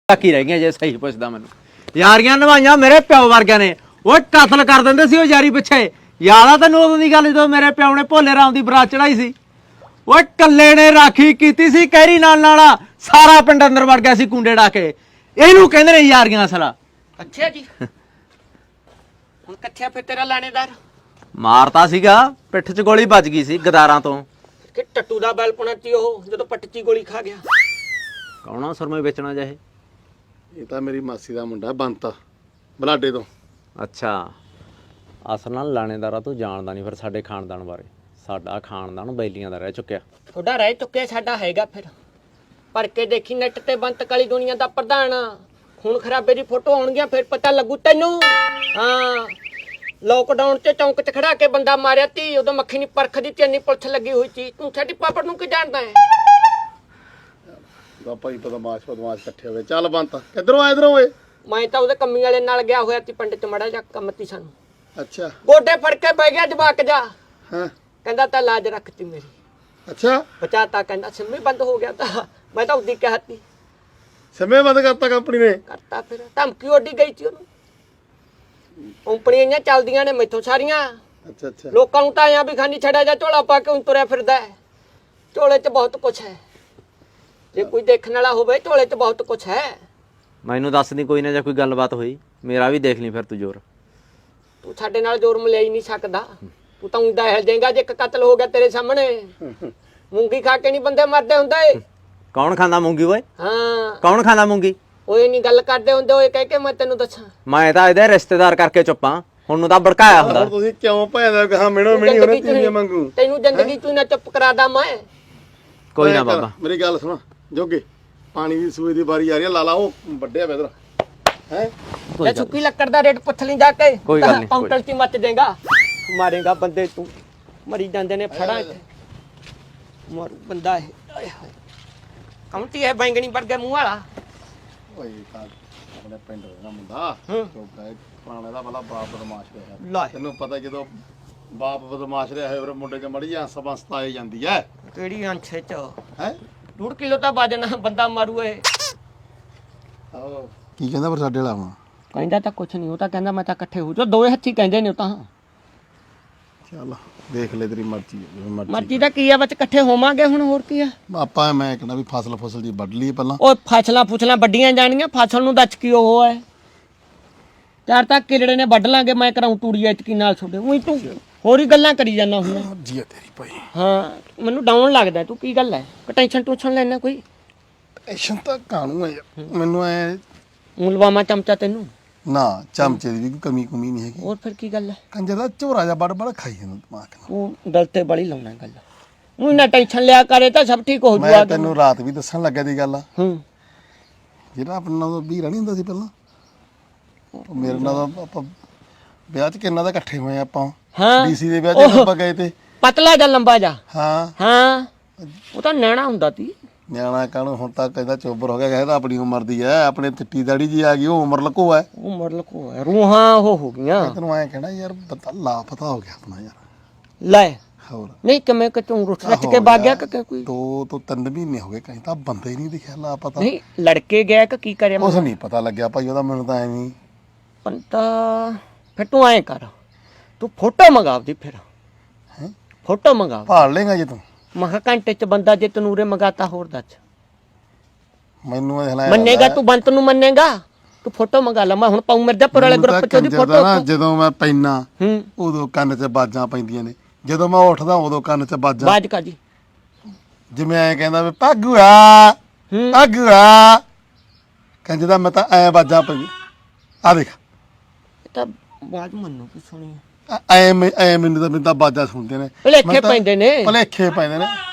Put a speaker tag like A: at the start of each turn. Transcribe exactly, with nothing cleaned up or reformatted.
A: ਬਾਕੀ ਰਹਿ ਗਈਆਂ ਜੇ ਸਹੀ ਪੁੱਛਦਾ ਮੈਨੂੰ। ਯਾਰੀਆਂ ਨਿਭਾਈਆਂ ਮੇਰੇ ਪਿਓ ਵਰਗਿਆਂ ਨੇ। ਉਹ ਕਤਲ ਕਰ ਦਿੰਦੇ ਸੀ ਉਹ ਯਾਰੀ ਪਿੱਛੇ। ਯਾਦ ਆ ਤੈਨੂੰ ਉਦੋਂ ਦੀ ਗੱਲ ਜਦੋਂ ਮੇਰੇ ਪਿਓ ਨੇ ਭੋਲੇ ਰਾਮ ਦੀ ਬਰਾਤ ਚੜਾਈ ਸੀ? ਉਹ ਕੱਲੇ ਨੇ ਰਾਖੀ ਕੀਤੀ ਸੀ ਕਹਿਰੀ ਨਾਲ ਨਾਲ, ਸਾਰਾ ਪਿੰਡ ਅੰਦਰ ਵੜ ਗਿਆ ਸੀ ਕੁੰਡੇ ਡਾ ਕੇ। ਇਹਨੂੰ ਕਹਿੰਦੇ ਨੇ ਯਾਰੀਆਂ ਅਸਲਾ।
B: ਅੱਛਾ ਜੀ ਹੁਣ ਕਿੱਥੇ ਫਿਰ ਤੇਰਾ ਲਾਣੇਦਾਰ?
A: ਮਾਰਤਾ ਸੀਗਾ, ਪਿੱਠ 'ਚ ਗੋਲੀ ਵੱਜ ਗਈ ਸੀ ਗਦਾਰਾਂ ਤੋਂ।
B: ਕਿ ਟੱਟੂ ਦਾ ਬੈਲ ਪੁਣਾ ਸੀ ਉਹ ਜਦੋਂ ਪੱਟਚੀ ਗੋਲੀ ਖਾ ਗਿਆ।
A: ਕੌਣਾ ਸੁਰਮੇ ਵੇਚਣਾ ਜਾਏ?
C: ਇਹ ਤਾਂ ਮੇਰੀ ਮਾਸੀ ਦਾ ਮੁੰਡਾ ਬੰਤਾ ਬਲਾਡੇ ਤੋਂ।
A: ਅੱਛਾ, ਅਸਲ ਨਾਲ ਲਾਣੇਦਾਰਾ ਤੂੰ ਜਾਣਦਾ ਨਹੀਂ ਫਿਰ ਸਾਡੇ ਖਾਨਦਾਨ ਬਾਰੇ। ਸਾਡਾ ਖਾਨਦਾਨ ਬੈਲੀਆਂ ਦਾ ਰਹਿ ਚੁੱਕਿਆ।
B: ਤੁਹਾਡਾ ਰਹਿ ਚੁੱਕਿਆ, ਸਾਡਾ ਹੈਗਾ। ਫਿਰ ਪਰ ਕੇ ਦੇਖੀ ਨੈਟ ਤੇ ਬੰਤ ਕਾਲੀ ਦੁਨੀਆ ਦਾ ਪ੍ਰਧਾਨ ਖੂਨ ਖਰਾਬੇ ਦੀ ਫੋਟੋ ਆਉਣਗੀਆਂ ਫਿਰ ਪਤਾ ਲੱਗੂ ਤੈਨੂੰ। ਹਾਂ, ਲੋਕਡਾਊਨ ਤੇ ਚੌਂਕ 'ਚ ਖੜਾ ਕੇ ਬੰਦਾ ਮਾਰਿਆ ਤੀ, ਉਦੋਂ ਮੱਖੀ ਨਹੀਂ ਪਰਖਦੀ ਤੇ ਇੰਨੀ ਪੁਲਿਸ ਲੱਗੀ ਹੋਈ ਸੀ। ਤੂੰ ਸਾਡੀ ਪਾਪੜ ਨੂੰ ਕੀ ਜਾਣਦਾ ਹੈ?
C: ਦਾ ਭਾਈ ਬਦਮਾਸ਼ ਬਦਮਾਸ਼ ਇਕੱਠੇ ਹੋਏ। ਚੱਲ ਬੰਤਾ ਕਿੱਧਰੋਂ ਆਏ ਇਧਰੋਂ ਓਏ?
B: ਮੈਂ ਤਾਂ ਉਹਦੇ ਕੰਮੀ ਵਾਲੇ ਨਾਲ ਗਿਆ ਹੋਇਆ ਸੀ ਪਿੰਡ 'ਚ ਮੜਾ ਜਾ ਕੰਮ ਤੀ ਸਾਨੂੰ।
C: ਅੱਛਾ
B: ਗੋਡੇ ਫੜ ਕੇ ਬਹਿ ਗਿਆ ਜਵਾਕ ਜਾ।
C: ਹਾਂ
B: ਕਹਿੰਦਾ ਤਾਂ ਲਾਜ ਰੱਖਤੀ ਮੇਰੀ।
C: ਅੱਛਾ
B: ਬਚਾਤਾ, ਕਹਿੰਦਾ ਸਿੰਮੀ ਬੰਦ ਹੋ ਗਿਆ ਤਾਂ ਮੈਂ ਤਾਂ ਉਹਦੀ ਕਹਿਤੀ
C: ਸਮੇਂ ਬੰਦ ਕਰਤਾ ਕੰਪਨੀ ਨੇ।
B: ਕਰਤਾ। ਫਿਰ ਧਮਕੀ ਉੱਡੀ ਗਈ ਸੀ ਉਹਨੂੰ। ਕੰਪਨੀਆਂ ਚੱਲਦੀਆਂ ਨੇ ਮੈਥੋਂ ਸਾਰੀਆਂ।
C: ਅੱਛਾ ਅੱਛਾ
B: ਲੋਕਾਂ ਨੂੰ ਤਾਂ ਆਇਆ ਵੀ ਖਾਨੀ ਛੜਿਆ ਜਾ ਝੋਲਾ ਪਾ ਕੇ ਤੁਰਿਆ ਫਿਰਦਾ ਹੈ। ਝੋਲੇ 'ਚ ਬਹੁਤ ਕੁਛ ਹੈ, ਜੇ ਕੋਈ ਦੇਖਣ ਵਾਲਾ ਹੋਵੇ ਝੋਲੇ 'ਚ ਬਹੁਤ ਕੁਛ ਹੈ।
A: ਮੈਨੂੰ ਦੱਸ ਦੀ ਕੋਈ ਨਾ, ਜੇ ਕੋਈ ਗੱਲਬਾਤ ਹੋਈ ਮੇਰਾ ਵੀ ਦੇਖ ਲਈ ਫਿਰ ਤੂੰ ਜ਼ੋਰ।
B: ਤੂੰ ਸਾਡੇ ਨਾਲ ਜ਼ੋਰ ਮਿਲਿਆ ਹੀ ਨਹੀਂ ਸਕਦਾ। ਤੂੰ ਤਾਂ ਉਂਦਾ ਹਿਲ ਜਾਏਗਾ ਜੇ ਇੱਕ ਕਤਲ ਹੋ ਗਿਆ ਤੇਰੇ ਸਾਹਮਣੇ। ਮੂੰਗੀ ਖਾ ਕੇ ਨਹੀਂ ਬੰਦੇ ਮਰਦੇ ਹੁੰਦੇ।
A: ਕੌਣ ਖਾਂਦਾ ਮੂੰਗੀ ਓਏ?
B: ਹਾਂ,
A: ਕੌਣ ਖਾਂਦਾ ਮੂੰਗੀ?
B: ਓਏ ਨਹੀਂ ਗੱਲ ਕਰਦੇ ਹੁੰਦੇ। ਓਏ ਕਹਿ ਕੇ ਮੈਂ ਤੈਨੂੰ ਦੱਸਾਂ,
A: ਮੈਂ ਤਾਂ ਇਹਦੇ ਰਿਸ਼ਤੇਦਾਰ ਕਰਕੇ ਚੁੱਪਾਂ। ਹੁਣ ਨੂੰ ਤਾਂ ਭੜਕਾਇਆ ਹੁੰਦਾ।
C: ਹੁਣ ਤੁਸੀਂ ਕਿਉਂ ਭੈਣ ਕਹਾ ਮਿਣੋ ਮਿਣੀ ਉਹਨੇ ਤੀਵੀਆਂ ਮੰਗੂ?
B: ਤੈਨੂੰ ਜ਼ਿੰਦਗੀ ਤੂੰ ਨਾ ਚੁੱਪ ਕਰਾਦਾ ਮੈਂ।
A: ਕੋਈ ਨਾ ਬਾਬਾ,
C: ਮੇਰੀ ਗੱਲ ਸੁਣ ਜੋਗੇ, ਪਾਣੀ ਦੀ ਸੂਏ ਦੀ ਵਾਰੀ ਆ ਰਹੀ ਹੈ। ਲਾ ਲਾ ਉਹ ਵੱਡਿਆ ਵੇ ਇਧਰ ਹੈ।
B: ਜੇ ਸੁੱਕੀ ਲੱਕੜ ਦਾ ਰੇਟ ਪੁੱਛ ਲਈ ਜਾ ਕੇ,
A: ਕੋਈ ਗੱਲ ਨਹੀਂ,
B: ਕਾਊਂਟਰ 'ਚ ਮੱਚ ਦੇਗਾ। ਮਾਰੇਗਾ ਬੰਦੇ ਤੂੰ। ਮਰੀ ਜਾਂਦੇ ਨੇ ਫੜਾ ਇੱਥੇ ਮਾਰੂ ਬੰਦਾ ਇਹ। ਆਏ ਹਾਏ, ਕਾਉਂਟੀ ਹੈ ਬੈਂਗਣੀ ਵਰਗੇ ਮੂੰਹ ਵਾਲਾ।
C: ਓਏ ਤਾਂ ਆਪਣੇ ਪਿੰਡ ਦਾ ਮੁੰਡਾ ਜੋਗਾ ਹੈ, ਪੁਰਾਣੇ ਦਾ ਭਲਾ ਬਾਪ ਬਦਮਾਸ਼ ਰਿਹਾ।
B: ਲੈ
C: ਤੈਨੂੰ ਪਤਾ ਜਦੋਂ ਬਾਪ ਬਦਮਾਸ਼ ਰਿਹਾ ਹੋਵੇ ਮੁੰਡੇ 'ਚ ਮੜੀ ਜਾਂ ਸਬੰਸਤ ਆਈ ਜਾਂਦੀ ਹੈ।
B: ਕਿਹੜੀ ਅੰਛੇ 'ਚ
C: ਹੈ
B: ਡੂਢ ਕਿਲੋ ਤਾਂ ਵਜਨ ਬੰਦਾ ਮਾਰੂ ਇਹ।
C: ਆਹੋ ਕੀ ਕਹਿੰਦਾ ਪਰ ਸਾਡੇ ਵਾਲਾ ਹੁਣ?
B: ਕਹਿੰਦਾ ਤਾਂ ਕੁਛ ਨਹੀਂ, ਉਹ ਤਾਂ ਕਹਿੰਦਾ ਮੈਂ ਤਾਂ ਇਕੱਠੇ ਹੋ ਜਾ। ਦੋਵੇਂ ਹੱਥੀ ਕਹਿੰਦੇ ਨੇ ਉਹ ਤਾਂ।
C: ਚੱਲ ਦੇਖ ਲੈ ਤੇਰੀ ਮਰਜ਼ੀ ਹੈ, ਜਿਵੇਂ ਮਰਜ਼ੀ।
B: ਮਰਜ਼ੀ ਦਾ ਕੀ ਆ, ਵਿੱਚ ਇਕੱਠੇ ਹੋਵਾਂਗੇ ਹੁਣ, ਹੋਰ ਕੀ ਆ।
C: ਆਪਾਂ ਮੈਂ ਕਹਿੰਦਾ ਵੀ ਫਸਲ ਫਸਲ ਜੀ ਵੱਢ ਲਈ ਪਹਿਲਾਂ।
B: ਉਹ ਫਸਲਾਂ ਫੁਸਲਾਂ ਵੱਡੀਆਂ ਜਾਣੀਆਂ, ਫਸਲ ਨੂੰ ਦੱਚ ਕੀ ਉਹ ਹੈ। ਚਾਰ ਤਾਂ ਕਿਲੜੇ ਨੇ ਵੱਢ ਲਾਂਗੇ, ਮੈਂ ਕਰਾਉਂ ਤੂੜੀ ਐਤਕੀ ਨਾਲ ਛੋਡੇ। ਉਹੀ ਤੂੰ ਹੋਰ ਹੀ ਗੱਲਾਂ ਕਰੀ ਜਾਂਦਾ ਹੁੰਦਾ।
C: ਮਰਜ਼ੀ ਹੈ ਤੇਰੀ ਭਾਈ।
B: ਹਾਂ, ਮੈਨੂੰ ਡਾਊਨ ਲੱਗਦਾ। ਤੂੰ ਕੀ ਗੱਲ ਹੈ, ਟੈਨਸ਼ਨ ਟੂਸ਼ਨ ਲੈਣਾ ਕੋਈ?
C: ਟੈਨਸ਼ਨ ਤਾਂ ਕਾਹਨੂੰ ਹੈ ਯਾਰ, ਮੈਨੂੰ ਐ
B: ਮੁਲਵਾਮਾ ਚਮਚਾ ਤੈਨੂੰ
C: ਨਾ ਚਮਚੇ ਦੀ ਵੀ ਕੋਈ ਕਮੀ ਕੁਮੀ ਨਹੀਂ ਹੈਗੀ।
B: ਹੋਰ ਫਿਰ ਕੀ ਗੱਲ ਹੈ?
C: ਕੰਜਰ ਦਾ ਝੋਰਾ ਜਾ ਬੜ ਬੜ ਖਾਈ ਜਾਂਦਾ ਦਿਮਾਗ ਨਾਲ।
B: ਉਹ ਦਿਲ ਤੇ ਬੜੀ ਲਾਉਣਾ ਗੱਲ। ਉਹ ਨਾ ਟੈਨਸ਼ਨ ਲਿਆ ਕਰੇ ਤਾਂ ਸਭ ਠੀਕ ਹੋ
C: ਮੈਂ
B: ਜੂਗਾ।
C: ਤੈਨੂੰ ਰਾਤ ਵੀ ਦੱਸਣ ਲੱਗਾ ਦੀ ਗੱਲ ਆ।
B: ਹੂੰ,
C: ਜਿਹੜਾ ਆਪਣੇ ਨਾਲ ਵੀਰਾ ਨਹੀਂ ਹੁੰਦਾ ਸੀ ਪਹਿਲਾਂ, ਉਹ ਮੇਰੇ ਨਾਲ ਤਾਂ ਆਪਾਂ ਵਿਆਹ 'ਚ ਕਿੰਨਾ ਦਾ ਇਕੱਠੇ ਹੋਏ ਆਪਾਂ।
B: ਹਾਂ
C: ਡੀਸੀ ਦੇ ਵਿਆਹ 'ਚ ਆਪਾਂ ਗਏ ਤੇ।
B: ਪਤਲਾ ਜਾਂ ਲੰਬਾ ਜਾ?
C: ਹਾਂ
B: ਹਾਂ, ਉਹ ਤਾਂ ਨੈਣਾ ਹੁੰਦਾ ਤੀ।
C: ਨਿਆਣਾ ਕਾਹਨੂੰ, ਹੁਣ ਤਾਂ ਕਹਿੰਦਾ ਚੋਬਰ ਹੋ ਗਿਆ। ਕਹਿੰਦਾ ਆਪਣੀ ਉਮਰ ਦੀ ਐ, ਆਪਣੇ ਚਿੱਟੀ ਦਾੜੀ ਜੀ ਆ ਗਈ, ਉਹ ਉਮਰ ਲਕੋ ਐ।
B: ਉਮਰ ਲਕੋ ਹੈ, ਰੂਹਾਂ ਉਹ ਹੋ ਗਈਆਂ।
C: ਤੈਨੂੰ ਐਂ ਕਹਿਣਾ ਯਾਰ ਬੰਦਾ ਲਾਪਤਾ ਹੋ ਗਿਆ ਆਪਣਾ ਯਾਰ।
B: ਲੈ
C: ਹੋਰ
B: ਨਹੀਂ ਕਿਵੇਂ ਕਿ ਤੂੰ ਰੁੱਠ ਰੱਟ ਕੇ ਵਗ ਗਿਆ ਕਿ ਕੋਈ?
C: ਦੋ ਤੋਂ ਤਿੰਨ ਮਹੀਨੇ ਹੋ ਗਏ, ਕਹੀਂ ਤਾਂ ਬੰਦਾ ਹੀ ਨਹੀਂ ਦਿਖਿਆ ਲਾਪਤਾ।
B: ਨਹੀਂ ਲੜਕੇ ਗਿਆ ਕਿ ਕੀ ਕਰਿਆ?
C: ਕੁਛ ਨਹੀਂ ਪਤਾ ਲੱਗਿਆ ਭਾਈ ਉਹਦਾ, ਮੈਨੂੰ ਤਾਂ ਐਵੇਂ।
B: ਪੰਤਾ ਫਿਰ ਤੂੰ ਐਂ ਕਰ, ਤੂੰ ਫੋਟੋ ਮੰਗਾਵਦੀ ਫਿਰ।
C: ਹੈਂ?
B: ਫੋਟੋ ਮੰਗਾਵ।
C: ਭਾਲ ਲੇਗਾ ਜੇ ਤੂੰ?
B: ਮੈਂ ਕਿਹਾ ਘੰਟੇ 'ਚ ਬੰਦਾ ਜੇ ਤਨੂਰੇ ਮੰਗਾਤਾ ਹੋਰ ਦੱਸ।
C: ਮੈਨੂੰ ਇਹ ਹਲਾਇਆ
B: ਮੰਨੇਗਾ ਤੂੰ? ਬੰਤ ਨੂੰ ਮੰਨੇਗਾ? ਤੂੰ ਫੋਟੋ ਮੰਗਾ ਲਾ। ਮੈਂ ਹੁਣ ਪਾਉ ਮਿਰਜ਼ਾਪੁਰ ਵਾਲੇ ਗਰੁੱਪ 'ਚ ਉਹਦੀ ਫੋਟੋ।
C: ਨਾ ਜਦੋਂ ਮੈਂ ਪੈਣਾ
B: ਹੂੰ,
C: ਉਦੋਂ ਕੰਨ 'ਚ ਬਾਜਾਂ ਪੈਂਦੀਆਂ ਨੇ, ਜਦੋਂ ਮੈਂ ਉੱਠਦਾ ਉਦੋਂ ਕੰਨ 'ਚ ਬਾਜਾਂ।
B: ਬਾਜ ਕਾਦੀ?
C: ਜਿਵੇਂ ਐਂ ਕਹਿੰਦਾ ਵੀ ਭਾਗੂਆ
B: ਹੂੰ,
C: ਭਾਗੂਆ, ਕਹਿੰਦੇ ਦਾ ਮੈਂ ਤਾਂ ਐ ਬਾਜਾਂ ਪਈ। ਆ ਦੇਖ
B: ਇਹ ਤਾਂ ਬਾਜ ਮੰਨੂ ਕੀ ਸੁਣੀ
C: ਐ ਐ ਮੈਨੂੰ ਤਾਂ ਮੈਨੂੰ ਤਾਂ ਬਾਜਾਂ ਸੁਣਦੇ ਨੇ।
B: ਭਲੇਖੇ ਪੈਂਦੇ ਨੇ।
C: ਭਲੇਖੇ ਪੈਂਦੇ ਨੇ।